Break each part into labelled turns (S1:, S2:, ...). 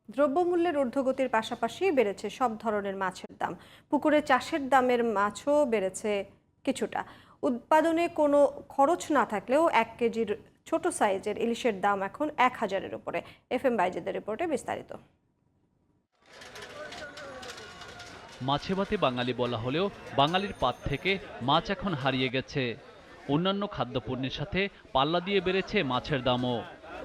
S1: দ্রব্যমূল্যের ঊর্ধ্বগতির পাশাপাশি বেড়েছে সব ধরনের মাছের দাম। পুকুরে চাষের দামের মাছও বেড়েছে কিছুটা। উৎপাদনে কোনো খরচ না থাকলেও 1 কেজির ছোট সাইজের ইলিশের দাম এখন 1000-এর উপরে। FM বাইজিদের রিপোর্টে বিস্তারিত।
S2: মাছে ভাতে বাঙালি বলা হলেও বাঙালির পাত থেকে মাছ এখন হারিয়ে গেছে। অন্যান্য খাদ্যপণ্যের সাথে পাল্লা দিয়ে বেড়েছে মাছের দামও।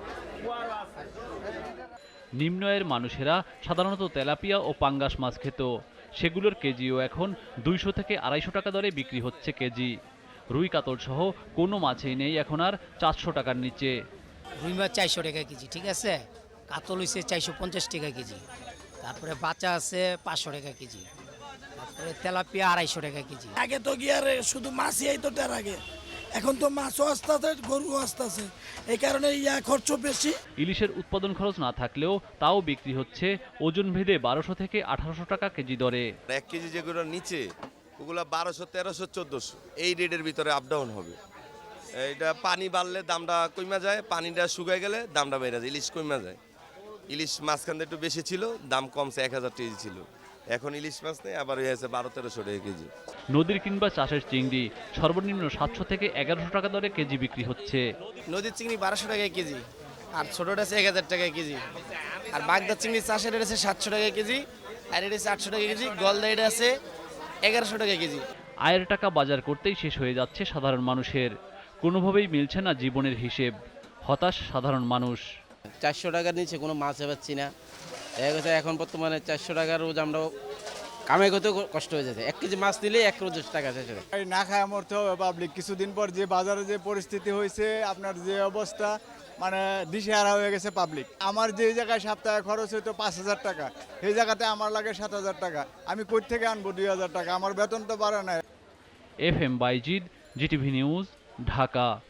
S2: নিম্ন আয়ের মানুষেরা সাধারণত তেলাপিয়া ও পাঙ্গাস মাছ খেত, সেগুলোর কেজিও এখন 200 থেকে 250 টাকা দরে বিক্রি হচ্ছে কেজি। রুই কাতল সহ কোনো মাছই নেই এখন আর 400 টাকার নিচে।
S3: রুই মাছ 400 টাকা কেজি, ঠিক আছে। কাতল হইছে 450 টাকা কেজি, তারপরে বাচ্চা আছে 500 টাকা কেজি, তারপরে তেলাপিয়া 250 টাকা কেজি।
S4: আগে তো গিয়ে শুধু মাছই আইতো তার আগে, এখন তো মাছও আসতেছে, গরুও আসতেছে, এই কারণে খরচ বেশি।
S2: ইলিশের উৎপাদন খরচ না থাকলেও তাও বিক্রি হচ্ছে ওজন ভেদে 1200 থেকে 1800 টাকা কেজি দরে।
S5: 1 কেজি যেগুলো নিচে ওগুলো 1200, 1300, 1400 এই রেটের ভিতরে আপ ডাউন হবে। এটা পানি বাড়লে দামটা কমে যায়, পানিটা শুকায় গেলে দামটা বেড়ে যায়, ইলিশ কমে যায়। ইলিশ মাঝখানে একটু বেশি ছিল, দাম কমছে, 1000 কেজি ছিল, এখন ইলিশ মাছ নেই, আবার হয়ে আছে 1200-1300 টাকা কেজি।
S2: নদীর কিংবা চাষের চিংড়ি সর্বনিম্ন 700 থেকে 1100 টাকা দরে কেজি বিক্রি হচ্ছে।
S6: নদীর চিংড়ি 1200 টাকা কেজি, আর ছোটটা আছে 1000 টাকা কেজি, আর বাগদা চিংড়ি চাষের এটা আছে 700 টাকা কেজি, আর এটা আছে 800 টাকা কেজি, গলদা এটা আছে 1100 টাকা কেজি।
S2: আয়ের টাকা বাজার করতেই শেষ হয়ে যাচ্ছে সাধারণ মানুষের। কোনোভাবেই মিলছে না জীবনের হিসেব। হতাশ সাধারণ মানুষ।
S6: 400 টাকার নিচে কোনো মাছ পাচ্ছি না। এখন বর্তমানে 400 টাকার রোজ আমরা কামাই করতে কষ্ট হয়ে যাচ্ছে। 1 কেজি মাছ নিলে 1 রোজ টাকা শেষ হয়ে যায়।
S7: না খায় মরতে হবে পাবলিক। কিছুদিন পর যে বাজারে যে পরিস্থিতি হয়েছে, আপনার যে অবস্থা, মানে দিশেহারা হয়ে গেছে পাবলিক। আমার যে জায়গায় সপ্তাহে খরচ হইতো 5000 টাকা, সেই জায়গাতে আমার লাগে 7000 টাকা। আমি কই থেকে আনবো 2000 টাকা? আমার বেতন তো বাড়ে না।
S2: FM Bayazid, GTV news, Dhaka.